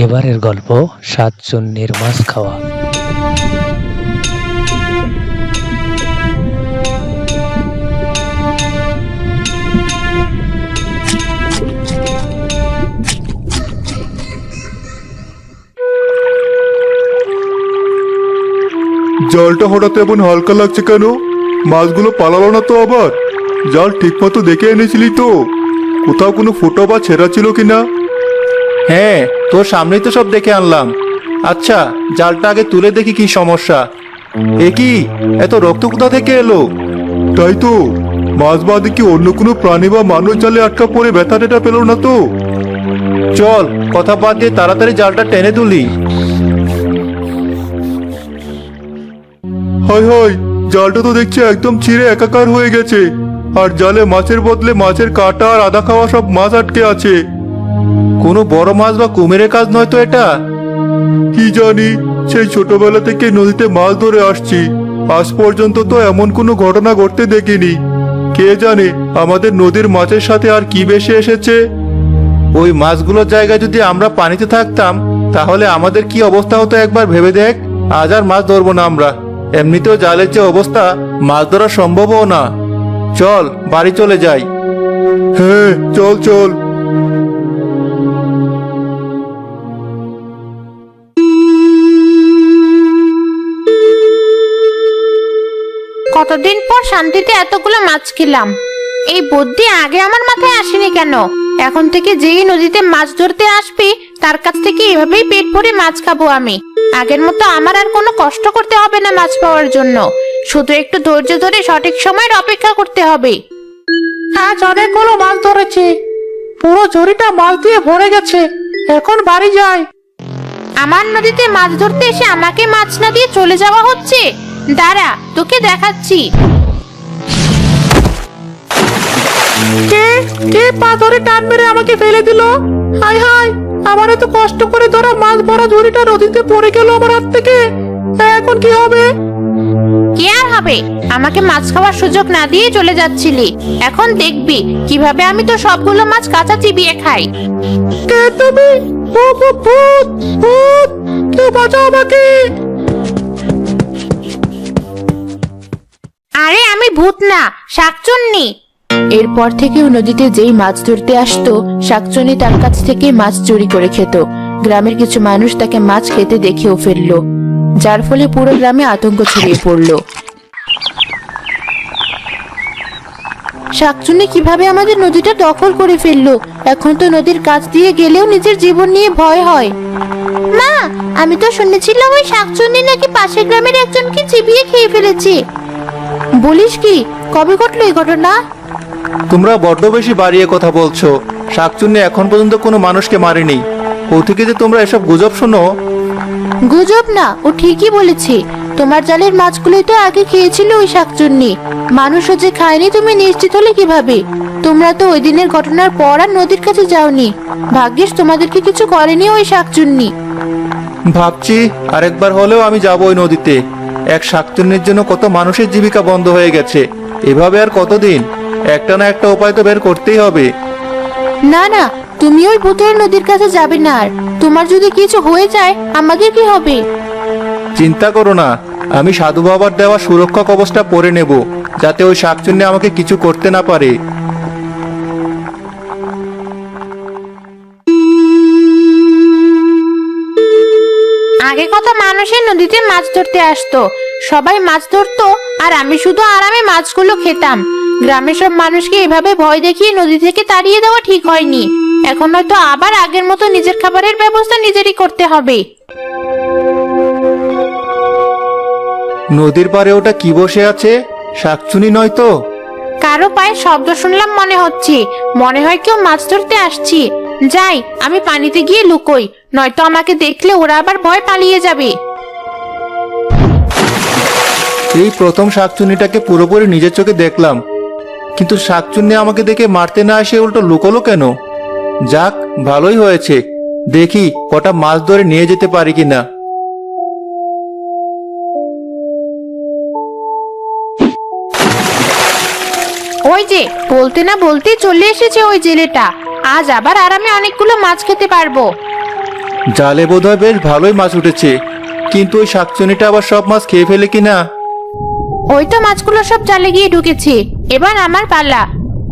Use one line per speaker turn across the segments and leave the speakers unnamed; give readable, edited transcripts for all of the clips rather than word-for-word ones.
এবারের গল্প সাতচন্নির মাছ খাওয়া।
জালটা হঠাৎ এমন হালকা লাগছে কেন? মাছগুলো পালালো না তো আবার? জাল ঠিক মতো দেখে এনেছিলি তো? কোথাও কোনো ফুটো বা ছেঁড়া ছিল কিনা?
হ্যাঁ, তোর সামনেই তো সব দেখে আনলাম। আচ্ছা, জালটা আগে তুলে দেখি কি সমস্যা। এ কি, এত রক্ত কোথা থেকে এলো?
তাই তো, মাছ বাদে কি অন্য কোনো প্রাণী বা মানুষ জালে আটকা পড়ে ব্যথা টেটা পেল না তো?
চল, কথা বাদ দিয়ে তাড়াতাড়ি জালটা টেনে তুলি।
হয় হয়, জালটা তো দেখছি একদম ছিঁড়ে একাকার হয়ে গেছে। আর জালে মাছের বদলে মাছের কাঁটা আর আধা খাওয়া সব মাছ আটকে আছে।
কোনো বড় মাছ বা কুমিরের কাজ নয় তো এটা?
কি জানি, সেই ছোটবেলা থেকে নদীতে মাছ ধরে আসছি, আজ পর্যন্ত তো এমন কোনো ঘটনা ঘটতে দেখিনি। কে জানে আমাদের নদীর মাছের সাথে আর কি বেশি এসেছে।
ওই মাছগুলোর জায়গায় যদি আমরা পানিতে থাকতাম, তাহলে আমাদের কি অবস্থা হতো একবার ভেবে দেখ। আজ আর মাছ ধরবো না আমরা। এমনিতেও জালের যে অবস্থা, মাছ ধরা সম্ভবও না। চল, বাড়ি চলে যাই।
হ্যাঁ, চল চল।
কতদিন পর শান্তিতে এতগুলো মাছ খেলাম। এই বুদ্ধি আগে আমার মাথায় আসেনি কেন? এখন থেকে যেই নদীতে মাছ ধরতে আসবি, তার কাছ থেকে এভাবেই পেট ভরে মাছ খাবো আমি। আগের মতো আমার আর কোনো কষ্ট করতে হবে না মাছ পাওয়ার জন্য। শুধু একটু ধৈর্য ধরে সঠিক সময়ের অপেক্ষা করতে হবে।
আজ অনেকগুলো মাছ ধরেছি, পুরো ঝুড়িটা মাছ দিয়ে ভরে গেছে। এখন বাড়ি যাই।
আমার নদীতে মাছ ধরতে এসে আমাকে মাছ না দিয়ে চলে যাওয়া হচ্ছে। দাঁড়া, তোকে দেখাচ্ছি।
কে কে পা ধরে টান মেরে আমাকে ফেলে দিল? হায় হায়, আমার এত কষ্ট করে ধরা মাছ ভরা ঝুড়িটা নদীতে পড়ে গেল আমার হাত থেকে। এখন কি হবে?
কি আর হবে? আমাকে মাছ খাওয়ার সুযোগ না দিয়ে চলে যাচ্ছিলি। এখন দেখবি কিভাবে আমি তো সবগুলো মাছ কাঁচা চিবিয়ে খাই।
কে তুমি? ভূত ভূত ভূত, কেউ বাঁচাও আমাকে।
আরে আমি ভূত না, শাকচুন্নি। এরপর থেকে নদীতে যেই মাছ ধরতে আসতো, শাকচুন্নি তার কাছ থেকে মাছ চুরি করে খেত। গ্রামের কিছু মানুষ তাকে মাছ খেতে দেখেও ফেললো, যার ফলে পুরো গ্রামে আতঙ্ক ছড়িয়ে পড়লো। শাকচুন্নি কিভাবে আমাদের নদীটা দখল করে ফেললো? এখন তো নদীর কাছ দিয়ে গেলেও নিজের জীবন নিয়ে ভয় হয়। মা, আমি তো শুনেছিলাম ওই শাকচুন্নি নাকি পাশের গ্রামের একজনকে চিবিয়ে খেয়ে ফেলেছে। বলিস কি? কবে ঘটলো এই ঘটনা?
তোমরা বড্ড বেশি বাড়িয়ে কথা বলছো। শাকচুন্নি এখন পর্যন্ত কোনো মানুষকে মারেনি। ও থেকে যে তোমরা এসব গুজব শোনো।
গুজব না, ও ঠিকই বলেছে। তোমার জালের মাছগুলোই তো আগে খেয়েছিল ওই শাকচুন্নি। মানুষও যে খায়নি তুমি নিশ্চিত হলে কিভাবে? তোমরা তো ওই দিনের ঘটনার পর আর নদীর কাছে যাওনি। ভাগ্যিস তোমাদেরকে কিছু করেনি ওই শাকচুন্নি।
ভাবছি আরেকবার হলেও আমি যাব ওই নদীতে। এক শাকচুন্নির জন্য কত মানুষের জীবিকা বন্ধ হয়ে গেছে। এভাবে আর কতদিন? একটা না একটা উপায় তো বের করতেই হবে।
না না, তুমি ওই ভূতের নদীর কাছে যাবে না। আর তোমার যদি কিছু হয়ে যায়, আমাদের কি হবে?
চিন্তা করো না, আমি সাধু বাবার দেওয়া সুরক্ষা কবচটা পরে নেব, যাতে ওই শাকচুন্নি আমাকে কিছু করতে না পারে।
আগে কত মানুষের নদীতে মাছ ধরতে আসতো, সবাই মাছ ধরতো আর আমি শুধু আরামে মাছগুলো খেতাম। গ্রামের সব মানুষকে এভাবে ভয় দেখিয়ে নদী থেকে তাড়িয়ে দেওয়া ঠিক হয়নি। এখন হয়তো আবার আগের মতো নিজের খাবারের ব্যবস্থা নিজেরই করতে হবে।
নদীর পাড়ে ওটা কি বসে আছে? শাকচুন্নি নয় তো?
কারো পায়ে শব্দ শুনলাম মনে হচ্ছে। মনে হয় কেউ মাছ ধরতে আসছে। যাই, আমি পানিতে গিয়ে লুকোই, নয়তো আমাকে দেখলে ওরা আবার ভয় পালিয়ে যাবে।
এই প্রথম শাকচুন্নিটাকে পুরোপুরি নিজের চোখে দেখলাম, কিন্তু শাকচুন্নি আমাকে দেখে মারতে না এসে উল্টো লুকোলো কেন? যাক, ভালোই হয়েছে। দেখি কটা মাছ ধরে নিয়ে যেতে পারি কিনা।
ওই যে বলতে না বলতে চলে এসেছে ওই জেলেটা। আজ আবার আরামে অনেকগুলো মাছ খেতে পারবো।
জালে বোধহয় বেশ ভালোই মাছ উঠেছে, কিন্তু ওই শাকচুনিটা আবার সব মাছ খেয়ে ফেলে কিনা।
ওই তো মাছগুলো সব জালে গিয়ে ঢুকেছে, এবার আমার পালা।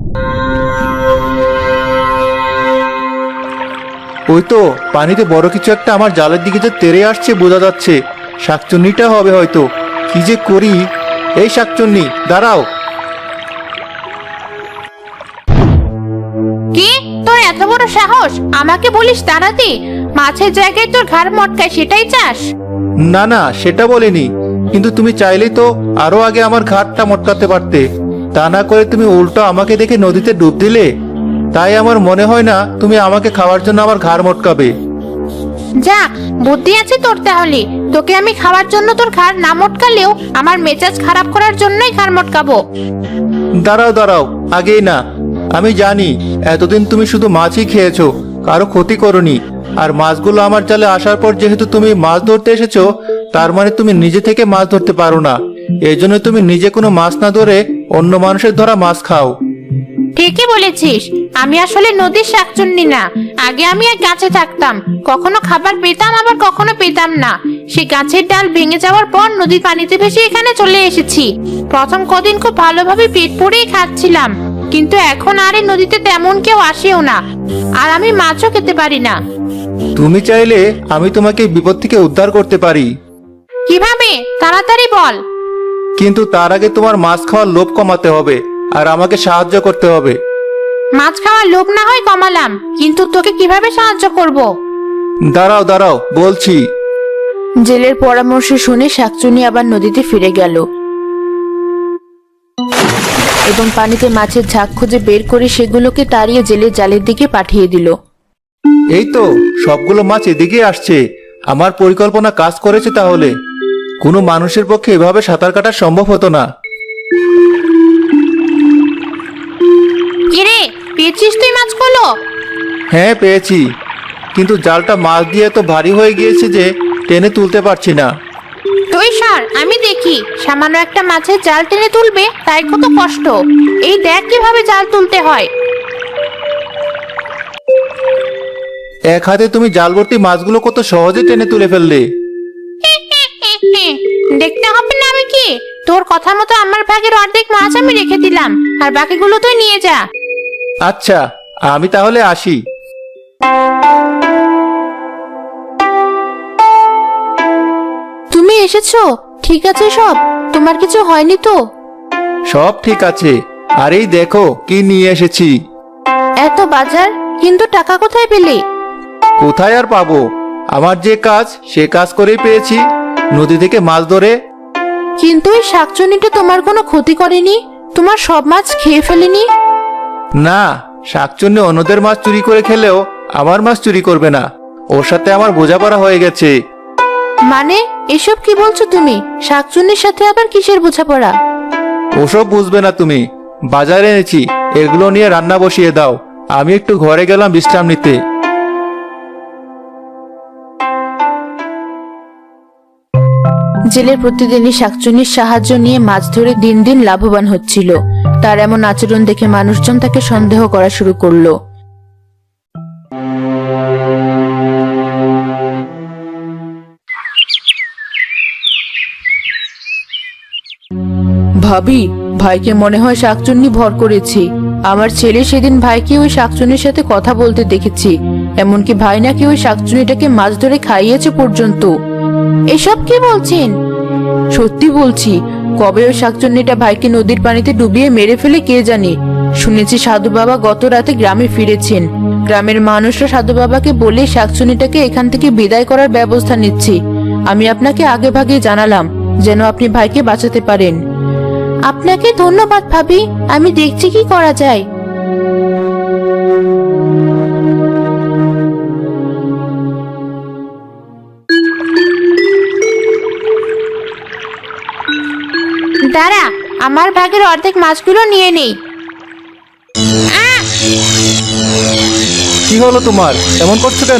ওই তো পানিতে বড় কিছু একটা আমার জালের দিকে যে তেড়ে আসছে বোঝা যাচ্ছে। শাকচুন্নিটা হবে হয়তো। কি যে করি। এই শাকচুন্নি, দাঁড়াও।
কি, তোর এত বড় সাহস? আমাকে বলিস দাঁড়াতে? মাছের জায়গায় তোর ঘাড় মটকায়, সেটাই চাস?
না না, সেটা বলিনি, কিন্তু তুমি চাইলেই তো আরো আগে আমার ঘাটটা মটকাতে পারতে। তা না করে তুমি উল্টো আমাকে দেখে নদীতে ডুব দিলে। তাই আমার মনে হয় না তুমি আমাকে খাওয়ার জন্য আমার ঘাড় মটকাবে।
যাক, বুদ্ধি আছে তোর তাহলে। তোকে আমি খাওয়ার জন্য তোর ঘাড় না মটকালেও আমার মেজাজ খারাপ করার জন্যই ঘাড় মটকাবো।
দাঁড়াও দাঁড়াও, আগেই না। আমি জানি এতদিন তুমি শুধু মাছই খেয়েছো, কারো ক্ষতি করনি। আর মাছগুলো আমার জালে আসার পর যেহেতু তুমি মাছ ধরতে এসেছো, তার মানে তুমি নিজে থেকে মাছ ধরতে পারো না। এই জন্য তুমি নিজে কোনো মাছ না ধরে অন্য মানুষের ধরা মাছ খাও।
ঠিকই বলেছিস, আমি আসলে নদীর শাকচুন্নি না। আগে আমি এক গাছে থাকতাম, কখনো খাবার পেতাম আবার কখনো পেতাম না। সেই গাছের ডাল ভেঙে যাওয়ার পর নদীর পানিতে ভেসে এখানে চলে এসেছি। প্রথম কদিন খুব ভালোভাবে পেট পুড়েই খাচ্ছিলাম, কিন্তু এখন আর এই নদীতে তেমন কেউ আসেও না, আর আমি মাছও খেতে পারি না।
তুমি চাইলে আমি তোমাকে বিপদ থেকে উদ্ধার করতে পারি।
কিভাবে? তাড়াতাড়ি বল।
কিন্তু তার আগে তোমার মাছ খাওয়ার লোভ কমাতে হবে, আর আমাকে সাহায্য করতে হবে।
মাছ খাওয়ার লোভ না হয় কমালাম, কিন্তু তোকে কিভাবে সাহায্য করব?
দাঁড়াও দাঁড়াও, বলছি।
জেলের পরামর্শ শুনে শাকচুনি আবার নদীতে ফিরে গেল এবং পানিতে মাছের ঝাঁক খুঁজে বের করে সেগুলোকে তাড়িয়ে জেলের জালের দিকে পাঠিয়ে দিল।
এই তো সবগুলো মাছ এদিকে আসছে। আমার পরিকল্পনা কাজ করেছে তাহলে। কোনো মানুষের পক্ষে এভাবে সাঁতার কাটা সম্ভব হতো না।
কিরে, পেয়েছিস তুই মাছগুলো?
হ্যাঁ, পেয়েছি, কিন্তু জালটা মাছ দিয়ে তো ভারী হয়ে গিয়েছে যে টেনে তুলতে পারছি না।
তুই সর, আমি দেখি। সামান্য একটা মাছের জাল টেনে তুলবে, তাই কত কষ্ট। এই দেখ কিভাবে জাল তুলতে হয়।
এক হাতে তুমি জাল ভর্তি মাছগুলো কত সহজে টেনে তুলে ফেললে।
দেখতে হবে না আমি কি? তোর কথা মতো আমার ভাগের অর্ধেক মাছ আমি রেখে দিলাম, আর বাকিগুলো তুই নিয়ে যা।
আচ্ছা, আমি তাহলে আসি।
তুমি এসেছো? ঠিক আছে সব? তোমার কিছু হয়নি তো?
সব ঠিক আছে। আর এই দেখো কি নিয়ে এসেছি।
এত বাজার, কিন্তু টাকা কোথায় পেলে?
কোথায় আর পাবো? আমার যে কাজ সে কাজ করেই পেয়েছি, নদী থেকে মাছ ধরে।
কিন্তু এই শাকচুনিটা তোমার কোনো ক্ষতি করেনি? তোমার সব মাছ খেয়ে ফেলেনি?
না, শাকচুন্নি অন্যদের মাছ চুরি করে খেলেও আমার মাছ চুরি করবে না। ওর সাথে আমার বোঝাপড়া হয়ে গেছে।
মানে এসব কি বলছো তুমি? শাকচুন্নির সাথে আবার কিসের বোঝাপড়া?
ওসব বুঝবে না তুমি। বাজারে এনেছি, এগুলো নিয়ে রান্না বসিয়ে দাও। আমি একটু ঘরে গেলাম বিশ্রাম নিতে।
জেলের প্রতিদিনই শাকচুনির সাহায্য নিয়ে মাছ ধরে দিন দিন লাভবান হচ্ছিল। তার এমন আচরণ দেখে মানুষজন তাকে সন্দেহ করা শুরু করলো। ভাবি, ভাইকে মনে হয় শাকচুন্নি ভর করেছে। আমার ছেলে সেদিন ভাইকে ওই শাকচুন্নির সাথে কথা বলতে দেখেছি। এমনকি ভাই নাকি ওই শাকচুন্নিটাকে মাছ ধরে খাইয়েছে পর্যন্ত। এসব কি বলছেন? সত্যি বলছি। কবে ওই শাকচুন্নিটা ভাইকে নদীর পানিতে ডুবিয়ে মেরে ফেলে কে জানে। শুনেছি সাধু বাবা গত রাতে গ্রামে ফিরেছেন। গ্রামের মানুষরা সাধু বাবাকে বলে শাকচুন্নিটাকে এখান থেকে বিদায় করার ব্যবস্থা নিচ্ছে। আমি আপনাকে আগে ভাগে জানালাম যেন আপনি ভাইকে বাঁচাতে পারেন। আপনাকে ধন্যবাদ ভাবি, আমি দেখছি কি করা যায়। দাঁড়া, আমার ভাগের অর্ধেক মাছগুলো নিয়ে নেই।
কি হলো তোমার? এমন করছো কেন?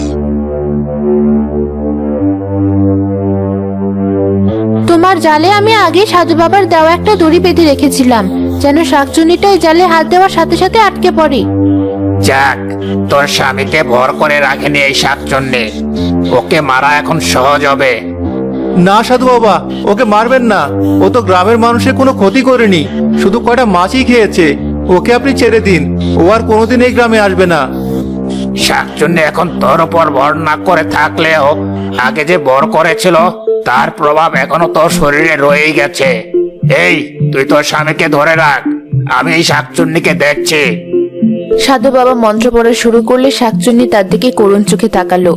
তোমার জালে আমি আগে সাধু বাবার দেওয়া একটা দড়ি বেঁধে রেখেছিলাম, যেন শাকচুন্নিটা এই জালে হাত দেওয়ার সাথে সাথে আটকে পড়ে।
যাক, তোর স্বামীকে ভর করে রাখেনি এই শাকচুন্নি। ওকে মারা এখন সহজ হবে।
না সাধু বাবা, ওকে মারবেন না। ও তো গ্রামের মানুষের কোনো ক্ষতি করেনি, শুধু কয়টা মাছই খেয়েছে। ওকে আপনি ছেড়ে দিন, ও আর কোনোদিন এই গ্রামে আসবে না।
শাকচুন্নি এখন তোর উপর ভর না করে থাকলেও আগে যে ভর করেছিল তার প্রভাব এখনো তোর শরীরে রয়েই গেছে। এই, তুই তোর স্বামীকে ধরে রাখ, আমি এই শাকচুন্নিকে দেখছি।
সাধু বাবা মন্ত্র পড়া শুরু করলে শাকচুন্নি তার দিকে করুণ চোখে তাকালো।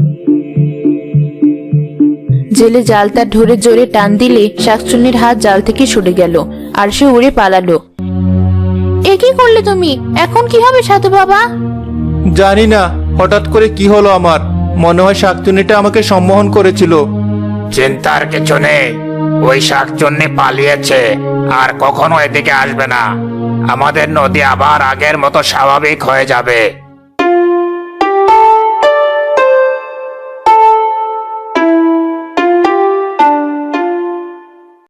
জেলে জালটা ধরে জোরে টান দিলে শাকচুন্নির হাত জাল থেকে সরে গেল আর সে উড়ে পালালো। এ কি করলে তুমি? এখন কি হবে সাধু বাবা?
জানি না হঠাৎ করে কি হলো আমার। মনে হয় শাকচুন্নিটা আমাকে সম্মোহন করেছিল।
চিন্তার কিছু নেই, ওই শাকচুন্নি পালিয়েছে আর কখনো এদিকে আসবে না। আমাদের নদী আবার আগের মতো স্বাভাবিক হয়ে যাবে।